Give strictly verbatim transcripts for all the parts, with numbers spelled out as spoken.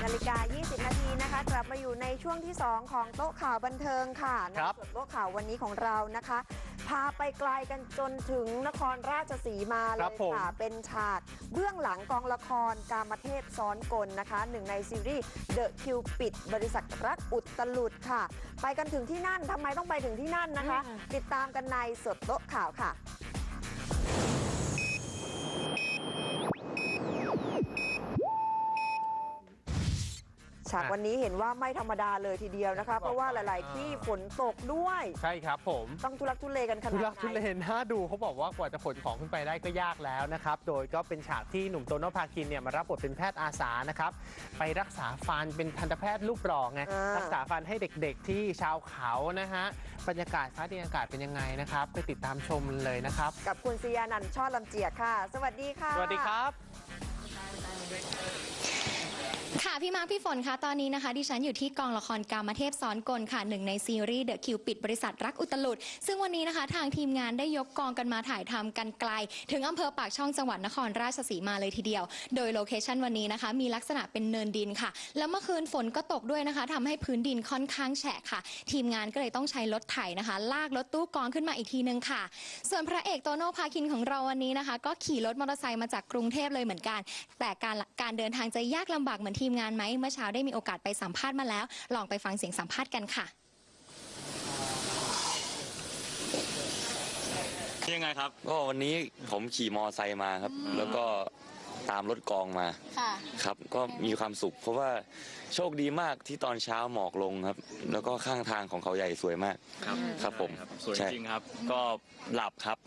นาฬิกา ยี่สิบ นาทีนะคะกลับมาอยู่ในช่วงที่ สอง ของโต๊ะข่าวบันเทิงค่ะในส่วนโต๊ะข่าววันนี้ของเรานะคะ พาไปไกลกันจนถึงนครราชสีมาเลยค่ะเป็นฉากเบื้องหลังกองละครกามเทพซ้อนกลนะคะหนึ่งในซีรีส์ The Cupid บริษัทรักอุตลุดค่ะไปกันถึงที่นั่นทำไมต้องไปถึงที่นั่นนะคะติดตามกันในสดโต๊ะข่าวค่ะฉากวันนี้เห็นว่าไม่ธรรมดาเลยทีเดียวนะคะเพราะว่าหลายๆที่ฝนตกด้วยใช่ครับผมต้องทุลักทุเลกันขนาดไหนทุลักทุเลน่าดูเขาบอกว่ากว่าจะขนของขึ้นไปได้ก็ยากแล้วนะครับโดยก็เป็นฉากที่หนุ่มโตโน่พาคินเนี่ยมารับบทเป็นแพทย์อาสานะครับไปรักษาฟันเป็นทันตแพทย์รูปหล่อไงรักษาฟันให้เด็กๆที่ชาวเขานะฮะบรรยากาศฟ้าดินอากาศเป็นยังไงนะครับไปติดตามชมเลยนะครับกับคุณศิยานันท์ช่อลำเจียกค่ะสวัสดีค่ะสวัสดีครับค่ะพี่มาร์คพี่ฝนคะตอนนี้นะคะดิฉันอยู่ที่กองละครกามเทพซ้อนกลค่ะหนึ่งในซีรีส์ The Cupid บริษัทรักอุตลุดซึ่งวันนี้นะคะทางทีมงานได้ยกกองกันมาถ่ายทำกันไกลถึงอำเภอปากช่องจังหวัดนครราชสีมาเลยทีเดียวโดยโลเคชั่นวันนี้นะคะมีลักษณะเป็นเนินดินค่ะแล้วเมื่อคืนฝนก็ตกด้วยนะคะทำให้พื้นดินค่อนข้างแฉะค่ะทีมงานก็เลยต้องใช้รถไถนะคะลากรถตู้กองขึ้นมาอีกทีนึงค่ะส่วนพระเอกโตโน่พาคินของเราวันนี้นะคะก็ขี่รถมอเตอร์ไซค์มาจากกรุงเทพเลยเหมือนกันแต่การการเดินทางจะยากลำบากเหมือนทีมงานไหมเมื่อเช้าได้มีโอกาสไปสัมภาษณ์มาแล้วลองไปฟังเสียงสัมภาษณ์กันค่ะยังไงครับก็วันนี้ผมขี่มอไซค์มาครับแล้วก็ตามรถกองมาครับก็มีความสุขเพราะว่าโชคดีมากที่ตอนเช้าหมอกลงครับแล้วก็ข้างทางของเขาใหญ่สวยมากครับครับผมสวยจริงครับก็หลับครับ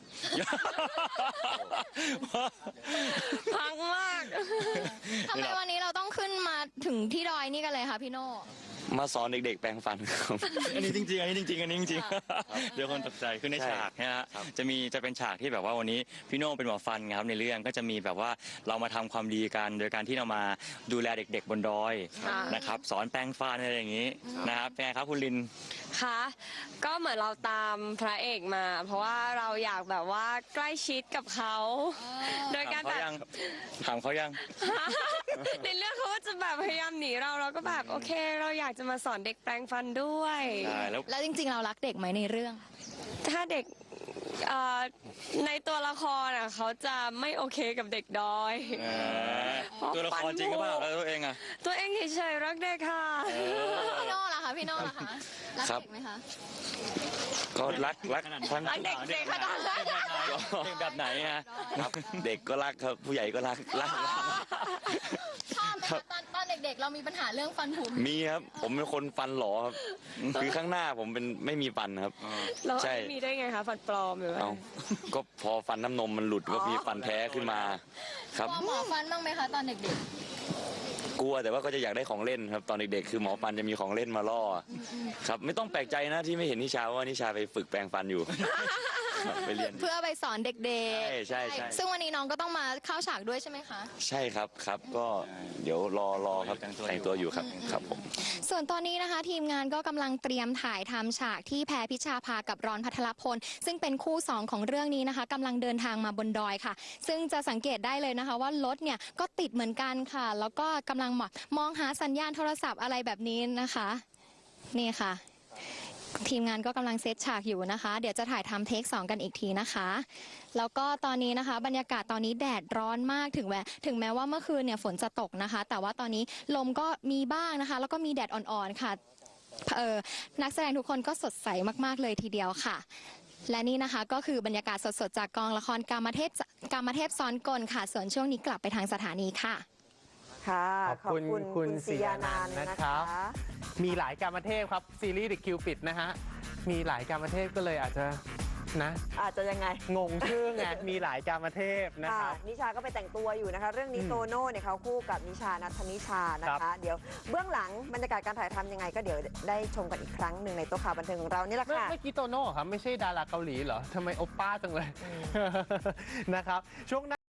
พังมากทำไมวันนี้เราต้องขึ้นมาถึงที่ดอยนี่กันเลยคะพี่โน่มาสอนเด็กๆแปรงฟันครับอันนี้จริงๆอันนี้จริงๆอันนี้จริงๆเดี๋ยวคนตกใจคือในฉากนะฮะจะมีจะเป็นฉากที่แบบว่าวันนี้พี่โน่เป็นหมอฟันครับในเรื่องก็จะมีแบบว่าเรามาทำความดีกันโดยการที่เรามาดูแลเด็กๆบนดอยนะครับสอนแปรงฟันอะไรอย่างนี้นะครับเป็นไงครับคุณลินค่ะก็เหมือนเราตามพระเอกมาเพราะว่าเราอยากแบบว่าใกล้ชิดกับเขาโดยการแบบถามเขายังในเรื่องเขาก็จะแบบพยายามหนีเราเราก็แบบโอเคเราอยากจะมาสอนเด็กแปรงฟันด้วยแล้วจริงๆเรารักเด็กไหมในเรื่องถ้าเด็กในตัวละครอ่ะเขาจะไม่โอเคกับเด็กดอยตัวละครจริงหรือเปล่าแล้วตัวเองอ่ะตัวเองเฉยๆรักเด็กค่ะพี่โน่ล่ะคะพี่โน่ล่ะคะรักเด็กไหมคะก็รักรักรักเด็กเด็กขนาดไหนแบบไหนฮะเด็กก็รักครับผู้ใหญ่ก็รักรักชอบไหมตอนตอนเด็กๆเรามีปัญหาเรื่องฟันผุมีครับผมเป็นคนฟันหลอครับคือข้างหน้าผมเป็นไม่มีฟันครับใช่มีได้ไงคะฟันปลอมหรือว่าก็พอฟันน้ำนมมันหลุดก็มีฟันแท้ขึ้นมาครับหมอฟันบ้างไหมคะตอนเด็กๆกลัวแต่ว่าก็จะอยากได้ของเล่นครับตอนเด็กๆคือหมอฟันจะมีของเล่นมาล่อครับไม่ต้องแปลกใจนะที่ไม่เห็นนิชาว่านิชาไปฝึกแปรงฟันอยู่ไปเรียนเพื่อไปสอนเด็กๆใช่ใช่ซึ่งวันนี้น้องก็ต้องมาเข้าฉากด้วยใช่ไหมคะใช่ครับครับก็เดี๋ยวรอรอครับแต่งตัวอยู่ครับครับผมส่วนตอนนี้นะคะทีมงานก็กำลังเตรียมถ่ายทำฉากที่แพรพิชาภากับรอนภัทรพลซึ่งเป็นคู่สองของเรื่องนี้นะคะกำลังเดินทางมาบนดอยค่ะซึ่งจะสังเกตได้เลยนะคะว่ารถเนี่ยก็ติดเหมือนกันค่ะแล้วก็กำลังมองหาสัญญาณโทรศัพท์อะไรแบบนี้นะคะนี่ค่ะทีมงานก็กำลังเซตฉากอยู่นะคะเดี๋ยวจะถ่ายทำเทคสองกันอีกทีนะคะแล้วก็ตอนนี้นะคะบรรยากาศตอนนี้แดดร้อนมากถึงแม้ถึงแม้ว่าเมื่อคืนเนี่ยฝนจะตกนะคะแต่ว่าตอนนี้ลมก็มีบ้างนะคะแล้วก็มีแดดอ่อนๆค่ะเออนักแสดงทุกคนก็สดใสมากๆเลยทีเดียวค่ะและนี่นะคะก็คือบรรยากาศสดๆจากกองละครกามเทพกามเทพซ้อนกลค่ะส่วนช่วงนี้กลับไปทางสถานีค่ะค่ะขอบคุณคุณศิยานันท์นะครับมีหลายกามเทพครับซีรีส์ The Cupid นะฮะมีหลายกามเทพก็เลยอาจจะนะอาจจะยังไงงงชื่อไงมีหลายกามเทพนะครับนิชาก็ไปแต่งตัวอยู่นะคะเรื่องนี้โตโน่เนี่ยเขาคู่กับนิชานัทนิชานะคะเดี๋ยวเบื้องหลังบรรยากาศการถ่ายทำยังไงก็เดี๋ยวได้ชมกันอีกครั้งหนึ่งในโต๊ะข่าวบันเทิงของเรานี่แหละค่ะเมื่อกี้โตโน่ครับไม่ใช่ดาราเกาหลีเหรอทำไมโอป้าจังเลยนะครับช่วง